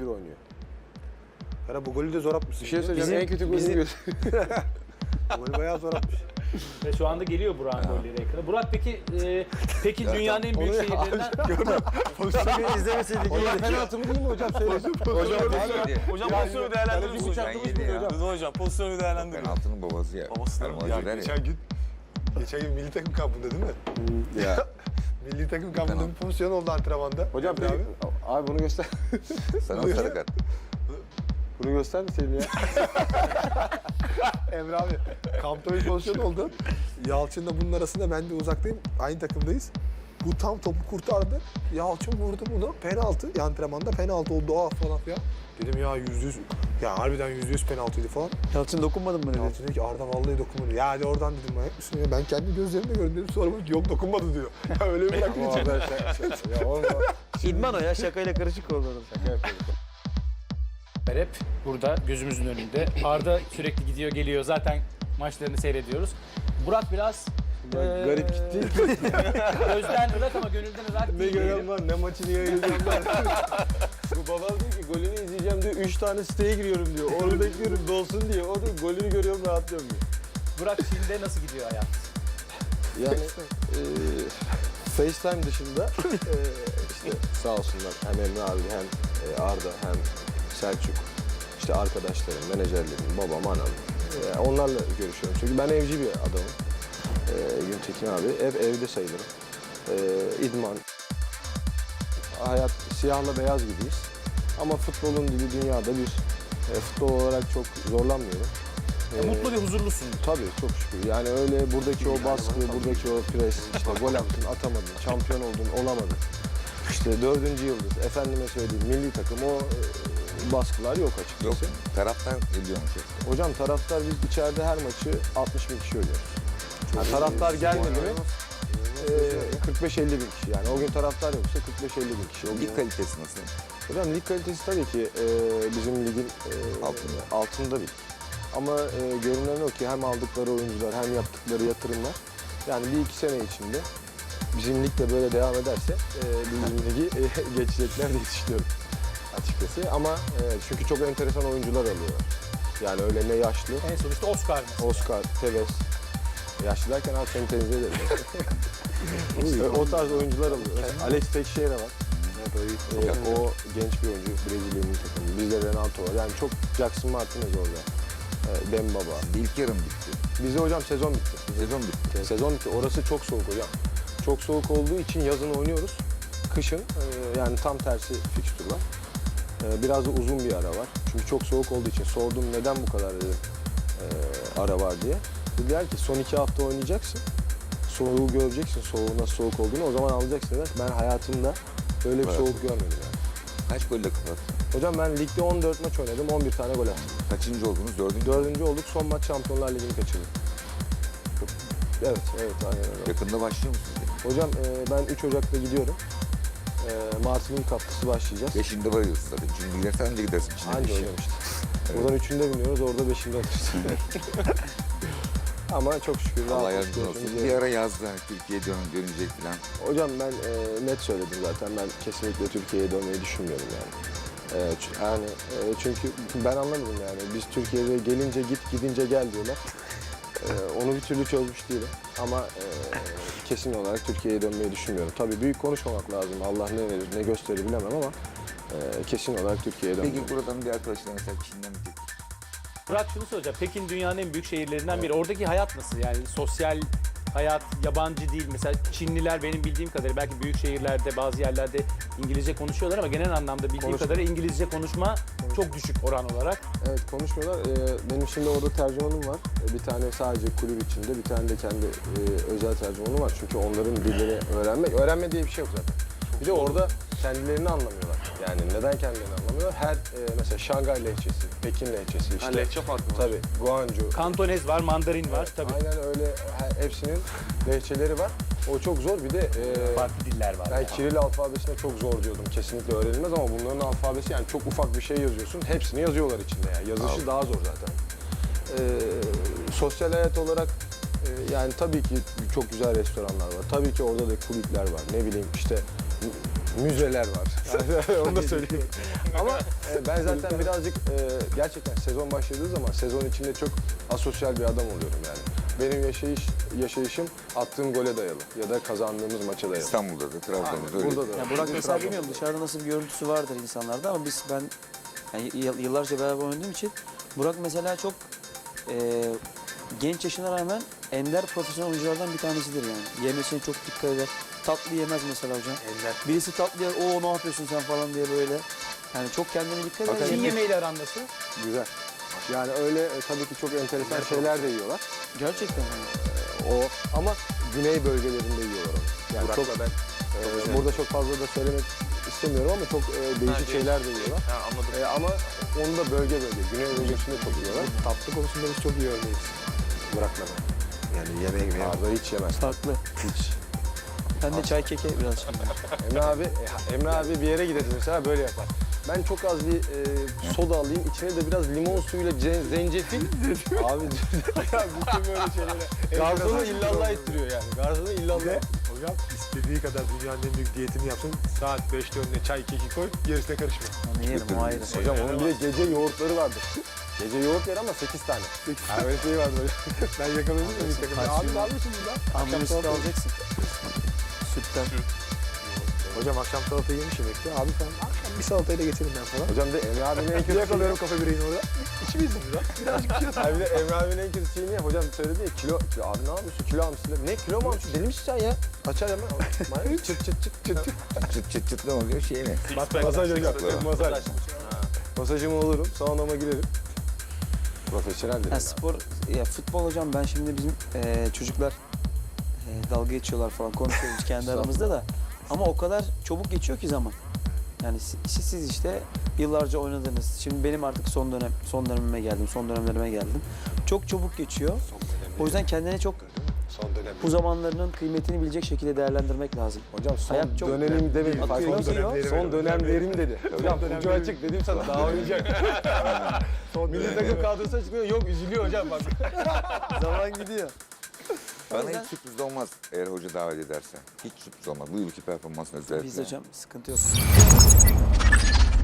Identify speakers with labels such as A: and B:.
A: oynuyor.
B: Kara bu golü de zor atmışsın.
A: Bir şey söyleyeceğim. En kötü golünü göster.
B: Golü bayağı zor atmış.
C: Ve şu anda geliyor Burak'ın golleri ekrana. Burak peki dünyanın en büyük şehirlerinden...
A: Pozisyonu izlemeseydik. Hocam penaltı mı değil mi hocam? Söyle.
D: Hocam pozisyonu değerlendirir misin hocam?
E: Ya.
D: Rıdvan hocam pozisyonu değerlendirir.
E: Penaltının babası ya.
D: Babası da
E: Erman
B: Ya
E: Hoca der ya.
B: geçen gün milli takım kampında değil mi?
A: Ya.
B: Milli takım kampında bir pozisyon oldu antrenmanda.
A: Hocam
B: Emre abi.
A: abi bunu göster.
E: Sana o sarı kart.
A: Bunu göstermeseydin ya.
B: Emre abi kampta bir pozisyon oldu. Yalçın'la bunun arasında ben de uzaktayım. Aynı takımdayız. Bu tam topu kurtardı. Yalçın vurdu bunu. Penaltı. Antrenmanda penaltı oldu falan filan. Dedim ya %100. Ya harbiden %100 penaltıydı falan.
A: Yalçın dokunmadın mı?
B: Yalçın dedi ki Arda vallahi dokunmadı. Ya hadi oradan dedim manyak mısın ya? Ben kendi gözlerimle gördüm dedim. Sonra bak yok dokunmadı diyor. Ya öyle bir bıraktım içeri.
A: Ya oğlum İdman o ya şakayla karışık oldu. Şaka yapıyorduk.
C: Hep burada gözümüzün önünde. Arda sürekli gidiyor geliyor. Zaten maçlarını seyrediyoruz. Burak biraz
A: Garip gitti.
C: gözden ırak ama gönülden ırak
A: Ne
C: değil.
A: gören var ne maçını yayınlayacağım ben. Bu babam diyor ki golünü izleyeceğim diyor. 3 tane siteye giriyorum diyor. Onu bekliyorum dolsun diye. O da golünü görüyorum rahatlıyorum diyor.
C: Burak Çin'de nasıl gidiyor hayat?
A: Yani FaceTime dışında işte sağ olsunlar hem Emre abi hem Arda hem Selçuk işte arkadaşlarım, menajerlerim, babam, anam onlarla görüşüyorum. Çünkü ben evci bir adamım. Güntekin abi hep evde sayılırım. İdman, hayat siyahla beyaz gibiyiz. Ama futbolun dili dünyada bir. Futbol olarak çok zorlanmıyorum.
C: Mutlu ve huzurlusun.
A: Tabii çok şükür. Yani öyle buradaki o baskı, buradaki o pres, işte gol attın, atamadın, şampiyon oldun, olamadın. İşte 4. yıldız, efendime söyleyeyim milli takım o baskılar yok açıkçası.
E: Yok. Taraftan ediyormuş.
A: Hocam taraftar biz içeride her maçı 60 bin kişi oynuyoruz. Yani taraftar gelmedi mi 45-50 bin kişi yani. O gün taraftar yoksa 45-50 bin kişi. O gün...
E: Lig kalitesi nasıl?
A: Hocam lig kalitesi tabii ki bizim ligin altında bir. Ama görünen o ki hem aldıkları oyuncular hem yaptıkları yatırımlar yani 1-2 sene içinde bizim lig de böyle devam ederse bizim ligi geçecekler diye düşünüyorum açıkçası. Ama çünkü çok enteresan oyuncular alıyorlar. Yani öyle ne yaşlı,
C: En son işte Oscar mesela.
A: Oscar, Tevez. Yaşlı derken abi seni tenzih ederim. İşte o tarz oyuncular alıyor. Mesela Alex Teixeira var. O genç bir oyuncu, Brezilya'nın takımı. Bizde Renato var. Yani çok Jackson Martinez orada. Dembaba.
E: İlk yarım bitti.
A: Bizde hocam sezon bitti.
E: Sezon bitti.
A: Sezon bitti. Orası çok soğuk hocam. Çok soğuk olduğu için yazın oynuyoruz. Kışın yani tam tersi fikstür var. Biraz da uzun bir ara var. Çünkü çok soğuk olduğu için sordum neden bu kadar dedim, ara var diye. Dediler ki son 2 hafta oynayacaksın. Soğuğu göreceksin. Soğuğun nasıl soğuk olduğunu o zaman alacaksın dediler. Ben hayatımda böyle bir soğuk görmedim yani.
E: Kaç golle kapattın?
A: Hocam ben ligde 14 maç oynadım. 11 tane gol attım.
E: Kaçıncı oldunuz? Dördüncü?
A: 4. olduk. Son maç Şampiyonlar Ligi'ni kaçırdık. Evet, aynen öyle.
E: Yakında başlıyor musunuz?
A: Hocam ben 3 Ocak'ta gidiyorum. Mart'ın ilk haftası başlayacağız.
E: Beşinde varıyorsun zaten. Çünkü gidersen önce gidersin. Çin'e
A: Anca
E: bir şey.
A: hocam işte. Buradan 3'ünde biniyoruz, orada 5'inde alırız. Ama çok şükür.
E: Allah
A: rahat
E: yardımcın olsun.
A: geçiyoruz.
E: Bir ara yazdı hani Türkiye'ye dönecek falan.
A: Hocam ben net söyledim zaten. Ben kesinlikle Türkiye'ye dönmeyi düşünmüyorum yani. Çünkü ben anlamadım yani. Biz Türkiye'de gelince git, gidince gel diyorlar. Onu bir türlü çözmüş değilim. Ama kesin olarak Türkiye'ye dönmeyi düşünmüyorum. Tabii büyük konuşmamak lazım. Allah ne verir, ne gösterir bilemem ama kesin olarak Türkiye'ye dönmeyi.
E: Peki buradan bir arkadaşlar mesela Çin'den bir teklif.
C: Burak şunu soracağım. Pekin dünyanın en büyük şehirlerinden biri. Oradaki hayat nasıl? Yani sosyal hayat yabancı değil. Mesela Çinliler benim bildiğim kadarıyla belki büyük şehirlerde bazı yerlerde İngilizce konuşuyorlar ama genel anlamda bildiğim kadarıyla İngilizce konuşma çok düşük oran olarak.
A: Evet konuşmuyorlar. Benim şimdi orada tercümanım var. Bir tane sadece kulüp içinde, bir tane de kendi özel tercümanım var. Çünkü onların dillerini öğrenme diye bir şey yok zaten. Bir de orada kendilerini anlamıyorlar. Yani neden kendilerini anlamıyorlar? Her mesela Şangay lehçesi, Pekin lehçesi işte.
D: Lehçe farkı var.
A: Tabii, Guangzhou.
C: Kantonez var, Mandarin var tabii.
A: Aynen öyle hepsinin lehçeleri var. O çok zor. Bir de
C: Farklı diller var.
A: ben Kiril alfabesine çok zor diyordum. Kesinlikle öğrenilmez ama bunların alfabesi yani çok ufak bir şey yazıyorsun. Hepsini yazıyorlar içinde yani. Yazışı daha zor zaten. Sosyal hayat olarak yani tabii ki çok güzel restoranlar var. Tabii ki orada da kulüpler var. Ne bileyim işte müzeler var. Yani onu da söyleyeyim. Ama ben zaten birazcık gerçekten sezon başladığı zaman sezon içinde çok asosyal bir adam oluyorum yani. Benim yaşayışım attığım gole dayalı ya da kazandığımız maça dayalı.
E: İstanbul'da da, Trabzon'da da öyle.
A: Burada da.
F: Ya Burak mesela bilmiyorum dışarıda nasıl bir görüntüsü vardır insanlarda ama ben yani yıllarca beraber oynadığım için Burak mesela çok genç yaşına rağmen ender profesyonel oyunculardan bir tanesidir yani. Yemesine çok dikkat eder. Tatlı yemez mesela hocam.
B: Ender.
F: Birisi tatlı yer, o ne yapıyorsun sen falan diye böyle. Yani çok kendine dikkat eder.
C: Çin
F: Yemek-
C: yemeğiyle aran nasıl?
A: Güzel. Yani öyle tabii ki çok enteresan şeyler de yiyorlar.
F: Gerçekten hani.
A: O ama güney bölgelerinde yiyorlar onu. Yani çok burada çok fazla da söylemek istemiyorum ama çok değişik şeyler de yiyorlar.
D: Ha, anladım.
A: Ama onu da bölge güney bölgesinde çok yiyorlar.
B: Tatlı konusunda biz çok iyi örneğiz. Burak'la ben. Yani yemeği
A: Arda hiç yemez.
F: Farklı.
A: Hiç.
F: Ben de çay keke biraz şimdi.
A: Emre abi bir yere gideriz mesela böyle yapar. Ben çok az bir soda alayım, içine de biraz limon suyuyla zencefil. Abi ya bütün böyle şeylere. Garzonu illallah ettiriyor yani. Garzonu illallah.
B: Hocam istediği kadar dünyanın en büyük diyetini yapsın. Saat 5'te önüne çay keki koy, gerisine karışma.
F: Onu yerim o ayrı.
A: Hocam onun bir de gece yoğurtları vardır. Gece yoğurt yer ama 8 tane. Ha, öyle şey vardır hocam.
B: Ben yakaladım ya bir takım. Abi ne yapıyorsun burada?
F: Amino sütü alacaksın. Sütten.
B: Hocam akşam salata yemiş yemekti. Abi falan akşam bir salatayla geçelim ben falan.
A: Hocam de Emre abinin en kötü
B: Yakalıyorum kafe bireyin orada. İçimiz mi burada? Birazcık bir şey
A: Abi de Emre abinin en kötü şeyi ne? Hocam söyledi ya kilo abi ne yapıyorsun? Kilo almışsın. Ne kilo mu almışsın? Deli misin sen ya? Açar hemen. Çıt çıt çıt çıt çıt.
E: Çıt çıt çıt ne oluyor şey mi?
A: Masaj hocam.
E: Masaj.
A: Masaj. Masajımı olurum. Saunama girerim. Profesyonel dedim.
F: Ya spor, ya futbol hocam ben şimdi bizim çocuklar dalga geçiyorlar falan konuşuyoruz kendi aramızda da. Ama o kadar çabuk geçiyor ki zaman. Yani siz işte yıllarca oynadınız. Şimdi benim artık son dönemime geldim, son dönemlerime geldim. Çok çabuk geçiyor. O yüzden kendine çok
B: Son dönem.
F: bu zamanlarının kıymetini bilecek şekilde değerlendirmek lazım.
A: Hocam son
F: Hayat çok-
A: dönemim demedim.
F: Akıyor,
A: Son
F: gidiyor.
A: dönemlerim. Son dönemlerim dedi. Hocam ucu açık dedim sana daha oynayacak. Milli takım kadrosu açıklıyor. Yok üzülüyor hocam bak.
F: Zaman gidiyor.
E: Bana hiç sürpriz olmaz eğer hoca davet ederse. Hiç sürpriz olmaz. Bu yılki performansın özellikle.
F: Biz hocam sıkıntı yok.